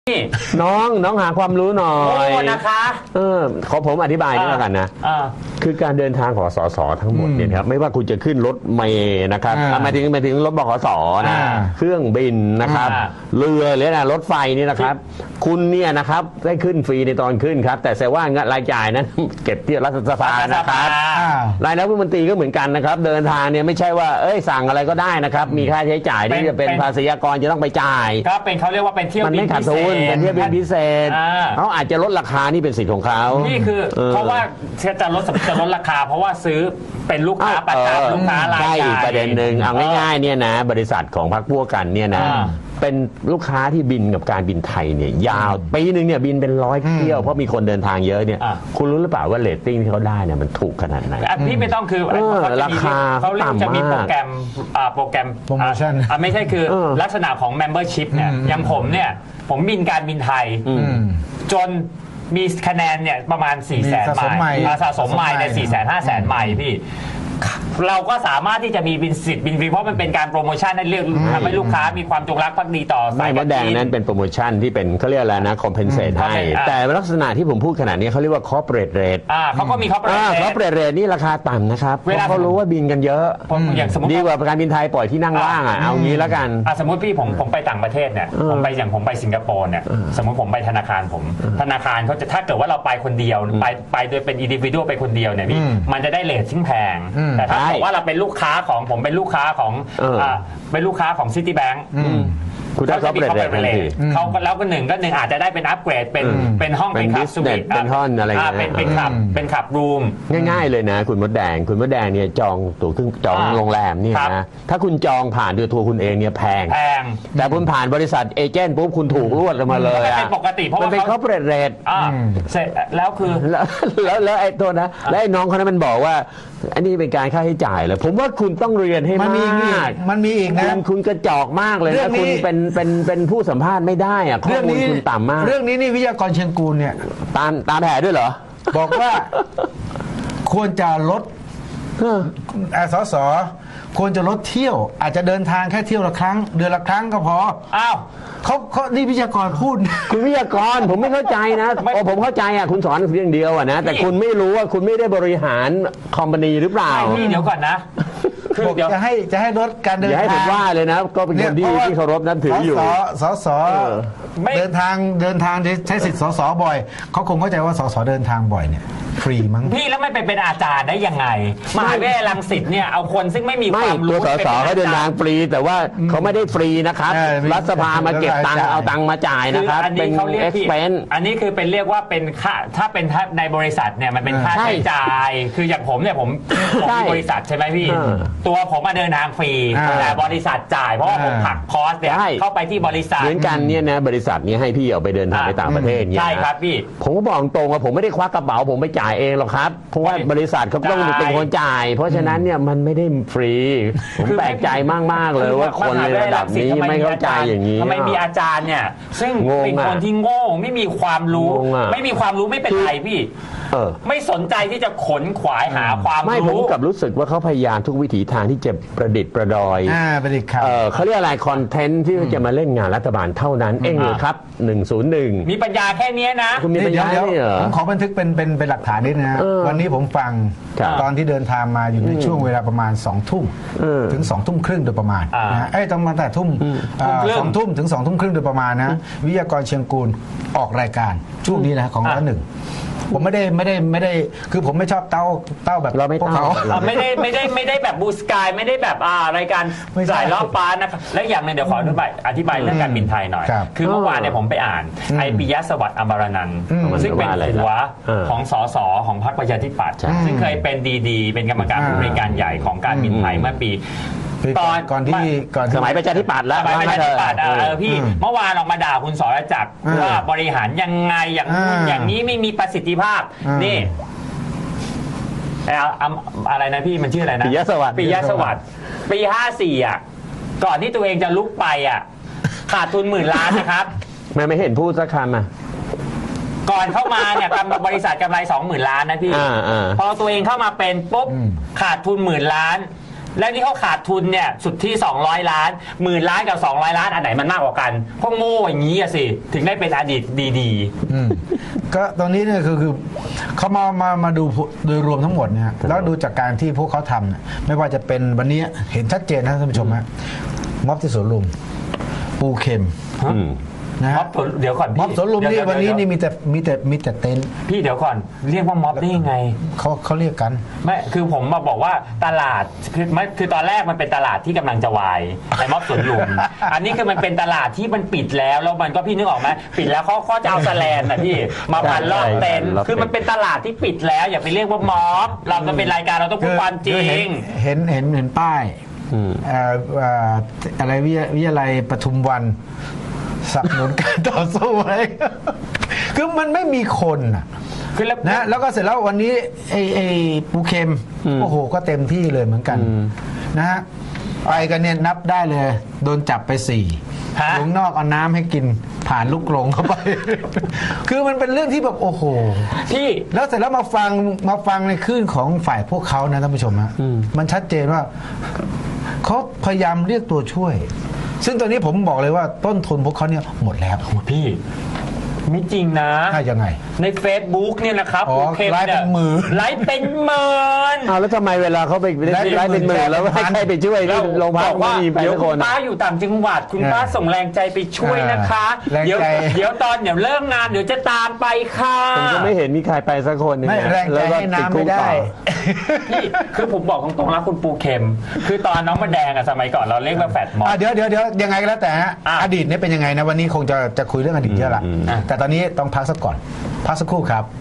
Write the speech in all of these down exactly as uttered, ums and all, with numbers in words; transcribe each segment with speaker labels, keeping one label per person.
Speaker 1: นี่
Speaker 2: น้องน้องหาความรู้หน่อย
Speaker 1: โอ้นะคะ
Speaker 2: เออขอผมอธิบายนี่แล้วกันนะคือการเดินทางของสสทั้งหมดเนี่ยครับไม่ว่าคุณจะขึ้นรถเมล์นะครับหมายถึงหมายถึงรถบขสนะเครื่องบินนะครับเรือหรือนะรถไฟนี่นะครับคุณเนี่ยนะครับได้ขึ้นฟรีในตอนขึ้นครับแต่แสดงว่ารายจ่ายนั้นเก็บที่รัฐสภานะครับรายรับรัฐมนตรีก็เหมือนกันนะครับเดินทางเนี่ยไม่ใช่ว่าเอ้ยสั่งอะไรก็ได้นะครับมีค่าใช้จ่ายที่จะเป็นภาษีอากรจะต้องไปจ่าย
Speaker 1: ก็เป็นเขาเรียกว่าเป็นเที่ยวบินพิเศษ
Speaker 2: เป็นเที่ยวบินพิเศษเขาอาจจะลดราคานี่เป็นสิทธิ์ของเขา
Speaker 1: นี่คือเพราะว่าจะลดจะลดราคาเพราะว่าซื้อเป็นลูกค้าประจำลูกค้ารายใหญ่
Speaker 2: ใช่ประเด็นหนึ่งเอาง่ายๆเนี่ยนะบริษัทของพรรคพวกกันเนี่ยนะเป็นลูกค้าที่บินกับการบินไทยเนี่ยยาวปีหนึ่งเนี่ยบินเป็นร้อยเที่ยวเพราะมีคนเดินทางเยอะเนี่ยคุณรู้หรือเปล่าว่าเรตติ้งที่เขาได้เนี่ยมันถูกขนาดไหน
Speaker 1: พี่ไม่ต้องคือ
Speaker 2: ราคา
Speaker 1: เขาเรียกจะมีโปรแกรมโปรแกรม
Speaker 3: โปรโมชั่น
Speaker 1: ไม่ใช่คือลักษณะของ membership เนี่ยอย่างผมเนี่ยผมบินการบินไทยจนมีคะแนนเนี่ยประมาณสี่แสนไมล์สะสมไมล์ในสี่แสนห้าแสนไมล์พี่เราก็สามารถที่จะมีบินสิทธิ์บินฟรีเพราะมันเป็นการโปรโมชั่นให้เรียกทำให้ลูกค้ามีความจงรักภักดีต่อ
Speaker 2: สายการบินไม่มดแดงนั้นเป็นโปรโมชั่นที่เป็นเขาเรียกอะไรนะคอมเพนเซตให้แต่ลักษณะที่ผมพูดขนาดนี้เขาเรียกว่า corporate rate
Speaker 1: อ่าเขาก็มี corporate rate
Speaker 2: corporate rate นี่ราคาต่ำนะครับเพราะเขารู้ว่าบินกันเยอะ
Speaker 1: อย่างสมมติ
Speaker 2: ดีกว่าการบินไทยปล่อยที่นั่งว่างอ่ะเอางี้แล้วกัน
Speaker 1: สมมติพี่ผมผมไปต่างประเทศเนี่ยผมไปอย่างผมไปสิงคโปร์เนี่ยสมมติผมไปธนาคารผมธนาคารเขาจะถ้าเกิดว่าเราไปคนเดียวไปไปโดยเป็น individual ไปคนเดียวเนี่ยพี่มันจะได้เรทที่แพงแต่ถ้าบอกว่าเราเป็นลูกค้าของผมเป็นลูกค้าของอ่าเป็นลูกค้าของซิตี้แบงก์
Speaker 2: คุณได้เขาเปลี่ยนเลย
Speaker 1: เขาก็แล้วก็หนึ่งก็หนึ่งอาจจะได้เป็นอัปเกรดเป็นเป็นห้องเป็นคับสวีท
Speaker 2: เป็นห้องอะไรอย่าง
Speaker 1: เงี้ยเป็นเป็นขับเป็นขับรูม
Speaker 2: ง่ายๆเลยนะคุณมดแดงคุณมดแดงเนี่ยจองตั๋วเครื่องจองโรงแรมเนี่ยนะถ้าคุณจองผ่านด้วยทัวร์คุณเองเนี่ยแพง
Speaker 1: แพง
Speaker 2: แต่คุณผ่านบริษัทเอเจนต์ปุ๊บคุณถูกรวดมาเลย
Speaker 1: เป็นปกติเพราะว่า
Speaker 2: เป็นเขาเปลี่ยนเรท
Speaker 1: เสร็จแล้วคือ
Speaker 2: แล้วแล้วไอ้ตัวนะแล้วไอ้น้องคนนั้นมันบอกว่าอันนี้เป็นการค่าใช้จ่ายเลยผมว่าคุณต้องเรียนให้มาก
Speaker 3: มันมีอีกนะ
Speaker 2: คุณกระจอกมากเลยนะคุณเป็นเป็นเป็นผู้สัมภาษณ์ไม่ได้อะข้อมูลคุณต่ำมาก
Speaker 3: เรื่องนี้นี่วิทยากรเชียงกูลเนี่ย
Speaker 2: ตามตามแผนด้วยเหรอ
Speaker 3: บอกว่าควรจะลดสสควรจะลดเที่ยวอาจจะเดินทางแค่เที่ยวละครั้งเดือนละครั้งก็พอ
Speaker 1: อ้าว
Speaker 3: เขาเขานี่วิทยากรพูด
Speaker 2: คุณวิทยากรผมไม่เข้าใจนะโอ้ผมเข้าใจอ่ะคุณสอนเรื่องเดียวอ่ะนะแต่คุณไม่รู้ว่าคุณไม่ได้บริหารคอมพานีหรือเปล่า
Speaker 1: พี่เดี๋ยวก่อนนะ
Speaker 3: คือจะให้จะให้ลดการเดินทางอย่าให้
Speaker 2: ผมว่าเลยนะก็เป็นคนที่ที่เคารพนับถืออยู่
Speaker 3: สสเดินทางเดินทางใช้สิทธิ์สสบ่อยเขาคงเข้าใจว่าสสเดินทางบ่อยเนี่ยฟรีมั้ง
Speaker 1: พี่แล้วไม่ไปเป็นอาจารย์ได้ยังไงมหาวิทยาลัยรังสิตเนี่ยเอาคนซึ่งไม่มีความรู้
Speaker 2: ตัวสสเขาเดินทางฟรีแต่ว่าเขาไม่ได้ฟรีนะครับรัฐสภามาเก็บตังค์เอาตังค์มาจ่ายนะครับ
Speaker 1: เป็นเอ็กซ์เพนอันนี้คือเป็นเรียกว่าเป็นค่าถ้าเป็นในบริษัทเนี่ยมันเป็นค่าใช้จ่ายคืออย่างผมเนี่ยผมผมมีบริษัทใช่ไหมพี่ตัวผมมาเดินทางฟรีแต่บริษัทจ่ายเพราะว่าผมหักคอสเนี่ยเข้าไปที่บริษัท
Speaker 2: เหมือนกันเนี่ยนะบริษัทนี้ให้พี่ออกไปเดินทางไปต่างประเทศเนี่ย
Speaker 1: ใช่ครับพี่
Speaker 2: ผมก็บอกตรงว่าผมไม่ได้ควักกระเป๋าผมไปจ่ายเองหรอกครับเพราะว่าบริษัทเขาต้องเป็นคนจ่ายเพราะฉะนั้นเนี่ยมันไม่ได้ฟรีผมแปลกใจมากๆเลยว่าคนในระดับนี้ไม่เข้าใจอย่างนี้
Speaker 1: ทำไมมีอาจารย์เนี่ยซึ่งเป็นคนที่โง่ไม่มีความรู้ไม่มีความรู้ไม่เป็นไรพี่ไม่สนใจที่จะขนขวายหาความรู้
Speaker 2: ไม่ผมกับรู้สึกว่าเขาพยายามทุกวิถีทางที่จะประดิษฐ์ประดอย
Speaker 3: ประดิษฐ์ครับ
Speaker 2: เขาเรียกอะไรคอนเทนต์ที่จะมาเล่นงานรัฐบาลเท่านั้นเองเลยครับหนึ่งศูนย์หนึ่ง
Speaker 1: มีปัญญาแค่นี้นะ
Speaker 2: คุณมีปัญญาเนี่ยเหรอ
Speaker 3: ผมขอบันทึกเป็นเป็นเป็นหลักฐานนิดนะวันนี้ผมฟังตอนที่เดินทางมาอยู่ในช่วงเวลาประมาณสองทุ่มถึงสองทุ่มครึ่งโดยประมาณนะไอ้ต้องมาแต่ทุ่มสองทุ่มถึงสองทุ่มครึ่งโดยประมาณนะวิทยากรเชียงกูลออกรายการช่วงนี้นะของร้านหนึ่งผมไม่ได้ไม่ได้ไม่ได้คือผมไม่ชอบเต้าเต้าแบบ
Speaker 2: เราไม่
Speaker 1: พวกเขาไม่ได้ไม่ได้ไม่ได้แบบบูสกายไม่ได้แบบอ่ารายการสายรอบฟ้านะครับและอย่างนึงเดี๋ยวขออธิบายอธิบายเรื่องการบินไทยหน่อยคือเมื่อวานเนี่ยผมไปอ่านไอปิยะสวัสดิ์อมรนันท์ซึ่งเป็นหัวของสสของพรรคประชาธิปัตย์ซึ่งเคยเป็นดีๆเป็นกรรมการผู้บริการใหญ่ของการบินไทยเมื่อปี
Speaker 3: ตอนก่อนที่ก่อน
Speaker 2: สมัยประชาธิปัตย์แล้ว
Speaker 1: สมัยประชาธิปัตย์เออพี่เมื่อวานออกมาด่าคุณสรจักรว่าบริหารยังไงอย่างอย่างนี้ไม่มีประสิทธิภาพนี่อะไรนะพี่มันชื่ออะไรนะ
Speaker 2: ปิยะสวัสดิ์
Speaker 1: ปิยะสวัสดิ์ปีห้าสี่อ่ะก่อนที่ตัวเองจะลุกไปอ่ะขาดทุนหมื่นล้านนะครับ
Speaker 2: ไม่ไม่เห็นพูดสักคำอ่ะ
Speaker 1: ก่อนเข้ามาเนี่ยกำไรบริษัทกำไรสองหมื่นล้านนะพี่พอตัวเองเข้ามาเป็นปุ๊บขาดทุนหมื่นล้านและนี่เขาขาดทุนเนี่ยสุดที่สองร้อยล้านหมื่นล้านกับสองร้อยล้านอันไหนมันมากกว่ากันพวกโง่อย่างนี้อะสิถึงได้เป็นอดีตดีๆ
Speaker 3: อืมก็ตรงนี้เนี่ยคือคือเขามามามาดูโดยรวมทั้งหมดเนี่ยแล้วดูจากการที่พวกเขาทำเนี่ยไม่ว่าจะเป็นวันนี้เห็นชัดเจนนะท่านผู้ชมฮะม็อบที่สวนลุมปูเข็มนะ
Speaker 1: ม็อ
Speaker 3: ฮะ
Speaker 1: บสวนเดี๋ยวก่อนพี่
Speaker 3: ม็อบสวนลุมนี่
Speaker 1: เดี๋ย
Speaker 3: วันนี้
Speaker 1: เดี๋ย
Speaker 3: นี่มีแต่มีแต่มีแต่เต็นท์
Speaker 1: พี่เดี๋ยวก่อนเรียกว่าม็อบได้ยังไง
Speaker 3: เขาเขาเรียกกัน
Speaker 1: ไม่คือผมมาบอกว่าตลาดคือไม่คือตอนแรกมันเป็นตลาดที่กำลังจะวายไอ้ม็อบสวนลุม อันนี้คือมันเป็นตลาดที่มันปิดแล้วแล้วมันก็พี่นึกออกไหมปิดแล้วเขาเขาจะเอาแสแลนน่ะพี่มาพันรอบเต็นท์คือมันเป็นตลาดที่ปิดแล้วอย่าไปเรียกว่าม็อบเราจะเป็นรายการเราต้องพูดความจริ
Speaker 3: คือเห็น
Speaker 1: ง
Speaker 3: เห็นเห็นเห็นป้ายเอ่อเอ่ออะไรวิทยาวิทยาลัยปทุมวันสนับสนุนการต่อสู้อะไร คือมันไม่มีคนน่ะ
Speaker 1: คือแล้ว
Speaker 3: นะแล้วก็เสร็จแล้ววันนี้ไอ้ไอ้ปูเค็มโอ้โหก็เต็มที่เลยเหมือนกันนะฮะไปกันเนี่ยนับได้เลย โดนจับไปสี่
Speaker 1: ฮะ
Speaker 3: ลุงนอกเอาน้ำให้กินผ่านลูกกรงเข้าไป คือมันเป็นเรื่องที่แบบโอ้โห
Speaker 1: พี่
Speaker 3: แล้วเสร็จแล้วมาฟังมาฟังในคลื่นของฝ่ายพวกเขานะท่านผู้ชมฮะมันชัดเจนว่าเขาพยายามเรียกตัวช่วย ซึ่งตอนนี้ผมบอกเลยว่าต้นทุนพวกเขาเนี่ยหมดแล้ว
Speaker 1: พี่ไม่จริงนะ
Speaker 3: น่ายังไง
Speaker 1: ใน Facebook เนี่ยนะครับ
Speaker 3: อ๋อ
Speaker 1: โอเค
Speaker 3: ไลฟ์เป็นหมื่น
Speaker 1: ไลฟ์เป็นหมื่น
Speaker 2: เอาแล้วทำไมเวลาเขาไป
Speaker 3: ไล่เป็น
Speaker 2: ไล่เป็นหมื่น
Speaker 3: หมื่น
Speaker 2: แล้วให้ใครไปช่วยที่โรงพยาบาล
Speaker 1: บอกว่า
Speaker 2: ไม่มีไป
Speaker 1: เดี๋ยว
Speaker 2: ทุกค
Speaker 1: คุ
Speaker 2: น
Speaker 1: ณป้าอยู่ต่างจังหวัดคุณป้า
Speaker 3: เออ
Speaker 1: ส่งแรงใจไปช่วยนะคะ
Speaker 3: แรง
Speaker 1: เดี๋ยว
Speaker 3: ใจ
Speaker 1: เดี๋ยวตอนเดี๋ยวเลิกงานเดี๋ยวจะตามไปค่ะ
Speaker 2: ผมก็ไม่เห็นมีใครไปสักคนหนึง
Speaker 3: ไม่
Speaker 2: นะ
Speaker 3: แรงใจ
Speaker 2: แล้วก็
Speaker 3: ให้
Speaker 2: ติด
Speaker 3: น้ำ
Speaker 2: คุ
Speaker 3: ไม่
Speaker 2: ก
Speaker 3: ได้
Speaker 2: ต่อ
Speaker 1: พี่คือผมบอกตรงๆนะคุณปูเข็ม คือตอนน้องมาแดงอะสมัยก่อนเราเรียกว่าแฟดมอ
Speaker 3: อ่ะ
Speaker 1: บ
Speaker 3: เดี๋ยวเดี๋ยวเดี๋ยวยังไงก็แล้วแต่ฮะ
Speaker 1: อ่ะ
Speaker 3: อดีตเนี่ยเป็นยังไงนะวันนี้คงจะจะคุยเรื่องอดีตเยอะละ
Speaker 1: อ่ะ
Speaker 3: แต่ตอนนี้ต้องพักสักก่อน พักสักครู่ครับ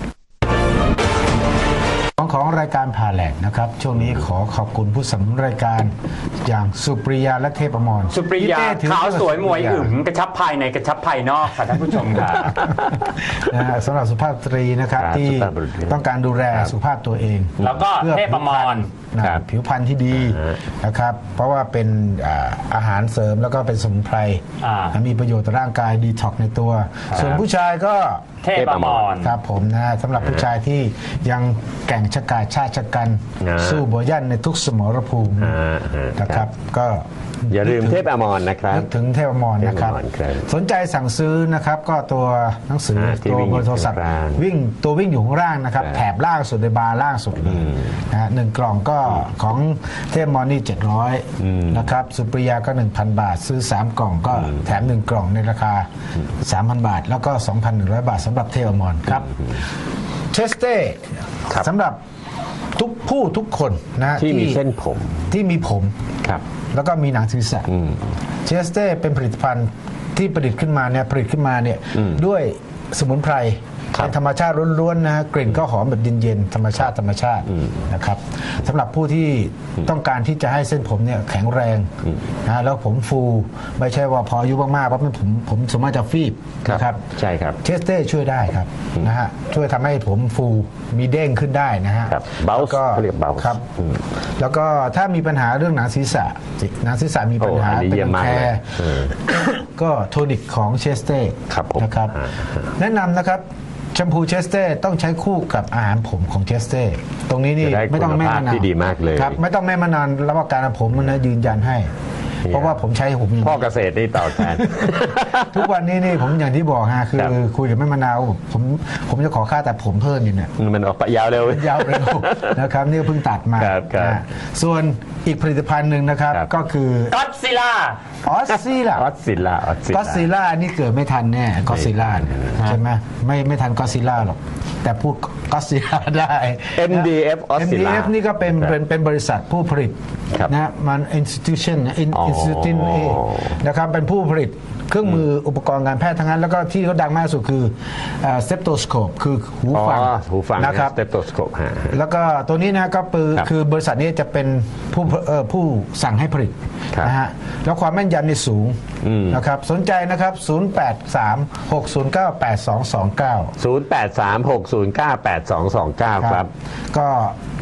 Speaker 3: ของของรายการผ่าแหลกนะครับ ช่วงนี้ขอขอบคุณผู้สนับสนุนรายการอย่างสุปริยาและเทพอมร
Speaker 1: สุปริยา
Speaker 3: พี่เต้ถือ
Speaker 1: ขาวสวยมวย
Speaker 3: สุปริา
Speaker 1: อึ๋มกระชับภายในกระชับภายนอกค่ะท่านผู้ชมค่ะ
Speaker 3: นะฮะสำหรับสุภาพสตรีนะครับ
Speaker 2: ครับ
Speaker 3: ที่
Speaker 2: สุภาพบุรุษ
Speaker 3: ต้องการดูแลสุขภาพตัวเอง
Speaker 1: แล้วก็
Speaker 3: พื่อ
Speaker 1: เทพอมร
Speaker 3: นะครับ ผิวพรรณที่ดี
Speaker 2: อ่า
Speaker 3: นะครับ เพราะว่าเป็นอ่าอาหารเสริมแล้วก็เป็นสมุนไพร
Speaker 1: อ่า
Speaker 3: และมีประโยชน์ต่อร่างกายดีท็อกในตัว ส่วนผู้ชายก็
Speaker 1: เทพอมร
Speaker 3: ครับผมนะฮะสำหรับผู้ชายที่ยังแกร่งชะกาจชาติชะกัน
Speaker 2: อ่า
Speaker 3: สู้บัวยันในทุกสมรภูมิ
Speaker 2: อ่าอ่า
Speaker 3: นะครับ ก็
Speaker 2: อย่าลืมเทพอมรนะครับ
Speaker 3: นึกถึงเทพอมรนะครับ
Speaker 2: เทพอมรครับ
Speaker 3: สนใจสั่งซื้อนะครับก็ตัวหนังสือ
Speaker 2: อ่าที่
Speaker 3: ตัว
Speaker 2: วิ่ง
Speaker 3: เบอร์โทรศัพท์
Speaker 2: อยู่ข้างล่าง
Speaker 3: วิ่งตัววิ่งอยู่ข้างล่างนะครับ
Speaker 2: ครับ
Speaker 3: แถบล่างสุดในบาร์ล่างสุดเลยนะฮะหนึ่งกล่องก็ของเทพมอนี่เจ็ดร้อยนะครับสุปริยาก็ หนึ่งพัน บาท ซื้อ สาม กล่องก็แถม หนึ่ง กล่องในราคา สามพัน บาท แล้วก็ สองพันหนึ่งร้อย บาทสำหรับเทพมอครับเชสเต้
Speaker 2: ครับ
Speaker 3: สำหรับทุกผู้ทุกคนนะ
Speaker 2: ที่มีเส้นผม
Speaker 3: ที่มีผม
Speaker 2: ครับ
Speaker 3: แล้วก็มีหนังศีรษะ
Speaker 2: อืม
Speaker 3: เชสเต้เป็นผลิตภัณฑ์ที่ประดิษฐ์ขึ้นมาเนี่ยผลิตขึ้นมาเนี่ย
Speaker 2: อืม
Speaker 3: ด้วยสมุนไพร
Speaker 2: ครับ
Speaker 3: เป็นธรรมชาติล้วนๆนะฮะกลิ่นก็หอมแบบเย็นๆธรรมชาติธรรมชาตินะครับสำหรับผู้ที่ต้องการที่จะให้เส้นผมเนี่ยแข็งแรงนะฮะแล้วผมฟูไม่ใช่ว่าพออายุมากๆปั๊บเนี่ยผมผมสามารถจะฟีบนะครับ
Speaker 2: ใช่ครับ
Speaker 3: เชสเต้ช่วยได้ครับนะฮะช่วยทำให้ผมฟูมีเด้งขึ้นได้นะฮะ
Speaker 2: ครับ bounce
Speaker 3: แล้วก็
Speaker 2: เขาเรียก bounce
Speaker 3: ครับ แล้วก็ถ้ามีปัญหาเรื่องหนังศีรษะหนังศีรษะมีปัญหา
Speaker 2: โอ้อันนี้
Speaker 3: เป็น
Speaker 2: เยี่ยม
Speaker 3: รัง
Speaker 2: มาก
Speaker 3: แค
Speaker 2: เลยเออ
Speaker 3: ก็โทนิกของเชสเต้
Speaker 2: ครับผม
Speaker 3: นะครับ
Speaker 2: อ่า
Speaker 3: แนะนำนะครับแชมพูเชสเต้ต้องใช้คู่กับอาหารผมของเชสเต้ตรงนี้นี่
Speaker 2: จะได้
Speaker 3: ไม่ต้องแม่
Speaker 2: คุณภาพ
Speaker 3: มานาน
Speaker 2: ที่ดีมากเลย
Speaker 3: ครับไม่ต้องแม่มานานรับประกันผมมันนะยืนยันให้ เพราะว่าผมใช้ผมอย่าง
Speaker 2: พ่อเกษตรนี่ต่อแทน
Speaker 3: ทุกวันนี้นี่ผมอย่างที่บอกฮะคือ
Speaker 2: ครับ
Speaker 3: คุยกับแม่มะนาวผมผมจะขอค่าแต่ผมเพิ่มอยู่เนี่ย
Speaker 2: มันออกไปยาวเร็ว
Speaker 3: ยาวเร็ว นะครับนี่ก็เพิ่งตัดมา
Speaker 2: ครับครับ
Speaker 3: นะส่วนอีกผลิตภัณฑ์หนึ่งนะครับ
Speaker 2: ครับ
Speaker 3: ก็คือ
Speaker 1: ก็อดซิลล่า
Speaker 3: ออสซิล่า
Speaker 2: ออสซิลล่าออสซิล
Speaker 3: ก็
Speaker 2: ล่า
Speaker 3: ซิล่านี่เกิดไม่ทันแน่ก็ซิล่าเนี่ยใช่ไหมไม่ไม่ทันก็ซิล่าหรอก แต่พูดก็ซิล่าได้
Speaker 2: เอ็ม ดี เอฟ
Speaker 3: เอ็ม ดี เอฟ นี่ก็เป็นเป็นเป็นบริษัทผู้ผลิต
Speaker 2: ครับ
Speaker 3: นะมัน institution นะ in-
Speaker 2: อ๋อ
Speaker 3: institution นะครับเป็นผู้ผลิตเครื่องมืออุปกรณ์การแพทย์ทั้งนั้น แล้วก็ที่เขาดังมากที่สุดคือสเตปโตสโคปคือหู
Speaker 2: อ๋อ
Speaker 3: ฟัง
Speaker 2: หูฟัง
Speaker 3: นะครับ
Speaker 2: สเตปโตสโคปฮะ
Speaker 3: แล้วก็ตัวนี้นะก็คือ
Speaker 2: ครับ
Speaker 3: คือบริษัทนี้จะเป็นผู้เอ่อผู้สั่งให้ผลิต
Speaker 2: ครับ
Speaker 3: นะฮะแล้วความแม่นยำนี่สูง
Speaker 2: อืม
Speaker 3: นะครับสนใจนะครับ ศูนย์ แปด สาม หก ศูนย์ เก้า แปด สอง สอง เก้า
Speaker 2: ศูนย์ แปด สาม หก ศูนย์ เก้า แปด สอง สอง เก้า ครับ
Speaker 3: ก็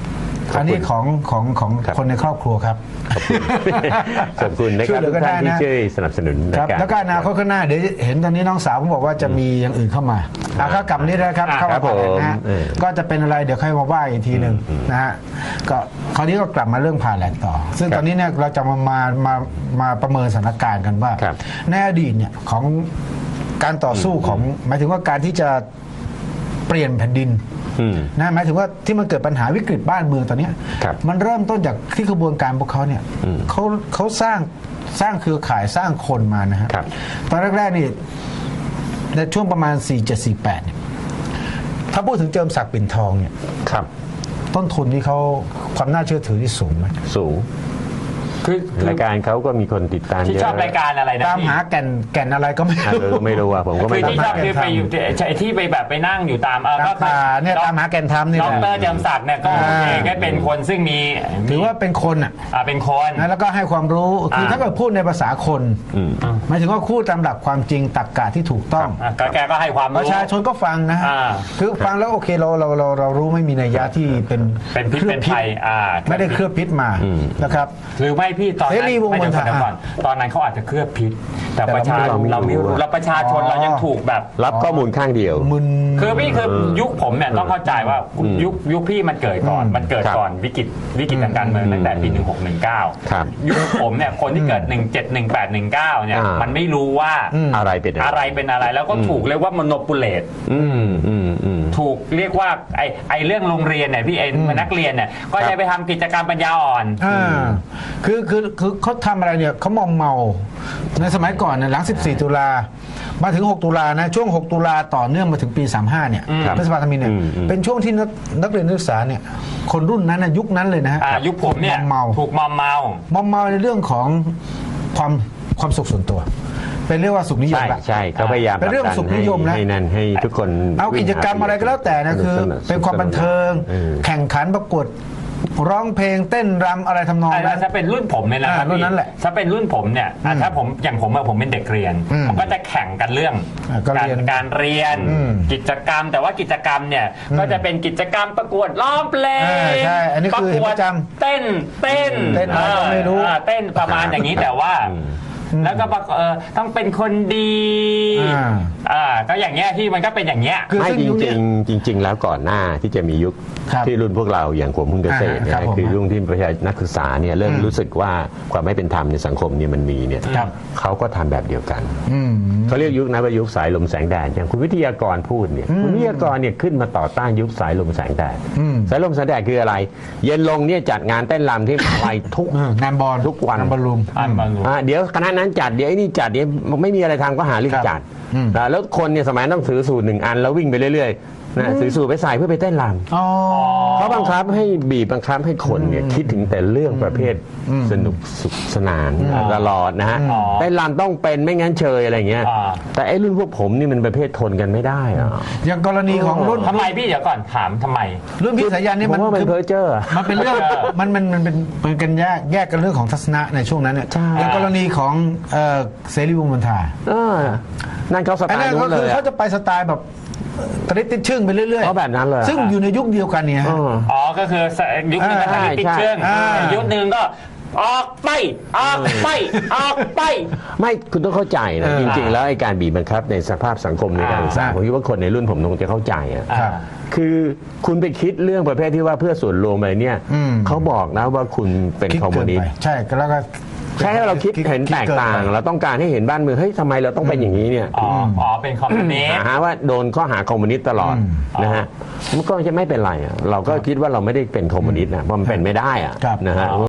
Speaker 3: อันนี้ของของของคนในครอบครัวครับ
Speaker 2: ขอบคุณนะครับทุกท่านที่ช่วยสนับสนุน
Speaker 3: ครับแล้วก็อนาคตข้างหน้าเดี๋ยวเห็นตอนนี้น้องสาวผมบอกว่าจะมีอย่างอื่นเข้ามาเอาเข้ากลับนี้นะครับเข้ามาผ่าแหลกนะฮะก็จะเป็นอะไรเดี๋ยวค่อยมาว่าอีกทีหนึ่งนะฮะก็คราวนี้ก็กลับมาเรื่องผ่าแหลกต่อ ซึ่งตอนนี้เนี่ยเราจะมามามามาประเมินสถานการณ์กันว่าในอดีตเนี่ยของการต่อสู้ของหมายถึงว่าการที่จะเปลี่ยนแผ่นดินนะหมายถึงว่าที่มันเกิดปัญหาวิกฤตบ้านเมืองตอนนี้มันเริ่มต้นจากที่กระบวนการพวกเขาเนี่ยเขาเขาสร้างสร้างเครือข่ายสร้างคนมานะฮะตอนแรกๆนี่ในช่วงประมาณสี่เจ็ด สี่แปดเนี่ยถ้าพูดถึงเจิมศักดิ์ปิ่นทองเนี่ยต้นทุนที่เขาความน่าเชื่อถือที่สูงไหม
Speaker 2: สูงคือรายการเขาก็มีคนติดตามเยอะ
Speaker 1: ที่ชอบรายการอะไรนะ
Speaker 3: ตามหาแก่นแก่นอะไรก็ไม่รู้
Speaker 2: ไม่รู้อ่ะผมก็ไม่
Speaker 1: รู้ที่ชอบคือไปอยู่ที่ไปแบบไปนั่งอยู่ตาม
Speaker 3: ก็เนี่ยตามหาแก่นธรรมนี่
Speaker 1: ดรเจิมศักดิ์เนี่ยก็เองก็เป็นคนซึ่งมี
Speaker 3: ถือว่าเป็นคนอ่ะ
Speaker 1: เป็นคน
Speaker 3: แล้วก็ให้ความรู้คือถ้าเกิดพูดในภาษาคนหมายถึงว่าพูดตามหลักความจริงตรรกะที่ถูกต้อง
Speaker 1: แกก็ให้ความรู้
Speaker 3: ประชาชนก็ฟังนะคือฟังแล้วโอเคเราเราเราเรารู้ไม่มีนัยยะที่เป็น
Speaker 1: เป็นพิษเป็นภัย
Speaker 3: ไม่ได้เคลือบพิษมานะครับ
Speaker 1: หรือไม่พี่ตอนนั้นไม่เดี๋ยวก่อนตอนนั้นเขาอาจจะเคลือบพิษแต่ประชาชนเราไม่รู้เราประชาชนเรายังถูกแบบ
Speaker 2: รับข้อมูลข้างเดียว
Speaker 1: คือพี่คือยุคผมเนี่ยต้องเข้าใจว่ายุคยุคพี่มันเกิดก่อนมันเกิดก่อนวิกฤตวิกฤตทางการเมืองตั้งแต่ปีหนึ่งหกหนึ่งเก้ายุคผมเนี่ยคนที่เกิดหนึ่งเจ็ดหนึ่งแปดหนึ่งเก้าเนี่ยมันไม่รู้ว่า
Speaker 2: อะไรเป็น
Speaker 1: อะไรเป็นอะไรแล้วก็ถูกเรียกว่า monopolize ถูกเรียกว่าไอไอเรื่องโรงเรียนเนี่ยพี่ไอนักเรียนเนี่ยก็จะไปทำกิจกรรมปัญญาอ่อน
Speaker 3: คือคือคือเขาทำอะไรเนี่ยเขามอมเมาในสมัยก่อนเนี่ยหลังสิบสี่ตุลามาถึงหกตุลานะช่วงหกตุลาต่อเนื่องมาถึงปีสามสิบห้าเนี่ยรัฐบาลธมินเนี่ยเป็นช่วงที่นักเรียนนักศึกษาเนี่ยคนรุ่นนั้นนะยุคนั้นเลยนะฮะ
Speaker 1: ยุคผมเนี่ยถูกมอมเมาม
Speaker 3: อมเมาในเรื่องของความความสุขส่วนตัวเป็นเรื่องว่าสุขนิยม
Speaker 2: ใช่ใช่เขาพยายาม
Speaker 3: เป็นเรื่องสุขนิยมนะ
Speaker 2: ให้นั่นให้ทุกคน
Speaker 3: เอากิจกรรมอะไรก็แล้วแต่นะคือเป็นความบันเทิงแข่งขันประกวดร้องเพลงเต้นรำอะไรทำนองนั้น
Speaker 1: ถ้าเป็นรุ่นผมเนี่ยนะ
Speaker 3: รุ่นนั้นแหละ
Speaker 1: ถ้าเป็นรุ่นผมเนี่ยถ้าผมอย่างผมผมเป็นเด็กเรียนผมก็จะแข่งกันเรื่องการการเรียนกิจกรรมแต่ว่ากิจกรรมเนี่ยก็จะเป็นกิจกรรมประกวดร้องเพลง
Speaker 3: ใช่อันนี้คือประจ
Speaker 1: ำเต้นเต้น
Speaker 3: เต้นอะไรก็ไม่รู้
Speaker 1: เต้นประมาณอย่างนี้แต่ว่าแล้วก็เออต้องเป็นคนดีอ่าก็อย่างเงี้ยที่มันก็เป็นอย่างเงี้ย
Speaker 2: ไม่จริงจริงจริงแล้วก่อนหน้าที่จะมียุคที่รุ่นพวกเราอย่างผมพึ่งเกษตรเนี่ยคือรุ่นที่ประชานักศึกษาเนี่ยเริ่มรู้สึกว่าความไม่เป็นธรรมในสังคมเนี่ยมันมีเนี่ยเขาก็ทำแบบเดียวกันเขาเรียกยุคนั้นว่ายุคสายลมแสงแดดอย่างคุณวิทยากรพูดเนี่ยคุณวิทยากรเนี่ยขึ้นมาต่อต้านยุคสายลมแสงแดดสายลมแสงแดดคืออะไรเย็นลงเนี่ยจัดงานเต้นรำที่อะไรทุก
Speaker 3: งานบอล
Speaker 2: ทุกวัน
Speaker 3: บอลลูม
Speaker 2: เดี๋ยวคณะนั้นจัดเดี๋ยวไอ้นี่จัดเดี๋ยวไม่มีอะไรทำก็หาเรื่องจัดแล้วคนเนี่ยสมัยต้องถือสูตรหนึ่งอันแล้ววิ่งไปเรื่อยๆนะถือสูตรไปใส่เพื่อไปเต้นรำเขาบังคับให้บีบบังคับให้คนเนี่ยคิดถึงแต่เรื่องประเภทสนุกสุขสนานตลอดนะฮะเต้นรำต้องเป็นไม่งั้นเชยอะไรเงี้ยแต่ไอ้รุ่นพวกผมนี่มันประเภททนกันไม่ได้อะ
Speaker 3: อย่างกรณีของรุ่น
Speaker 1: ทำไมพี่เดี๋ยวก่อนถามทำไม
Speaker 3: รุ่นพี่สายันนี่มัน
Speaker 2: เป็นเพอร์เจอร์
Speaker 3: มันเป็นเรื่องมันมันมันเป็นเป็นกันแยกแยกกันเรื่องของทัศนะในช่วงนั้นเนี่ยอย่างกรณีของเสรีวงศ์มนทา
Speaker 2: นั่นเขาสไตล์นู้นเลย
Speaker 3: เขาจะไปสไตล์แบบตริดติดชึ่งไปเรื่อยๆ
Speaker 2: เขาแบบนั้นเลย
Speaker 3: ซึ่งอยู่ในยุคเดียวกันเนี่ย
Speaker 1: อ๋อก็คือยุคนึงก็ตริดติดชึ่งยุคนึงก็ออกไปออกไปออกไป
Speaker 2: ไม่คุณต้องเข้าใจนะจริงๆแล้วไอ้การบีบบังคับในสภาพสังคมในการศึกษาผมคิดว่าคนในรุ่นผมคงจะเข้าใจอ่ะคือคุณไปคิดเรื่องประเภทที่ว่าเพื่อส่วนรวมอะไรเนี่ยเขาบอกนะว่าคุณเป็นคอมมิวนิสต์
Speaker 3: ใช่แล้วก็
Speaker 2: แค่เราคิดเห็นแตกต่างเราต้องการให้เห็นบ้านเมืองเฮ้ยทำไมเราต้องเป็นอย่างนี้เนี่ย
Speaker 1: อ๋ออ๋อเป็นคอมมิวนิสต์
Speaker 2: หาว่าโดนข้อหาคอมมิวนิสต์ตลอดนะฮะมันก็จะไม่เป็นไรเราก็คิดว่าเราไม่ได้เป็นคอมมิวนิสต์นะเพราะมันเป็นไม่ได้อะนะฮะ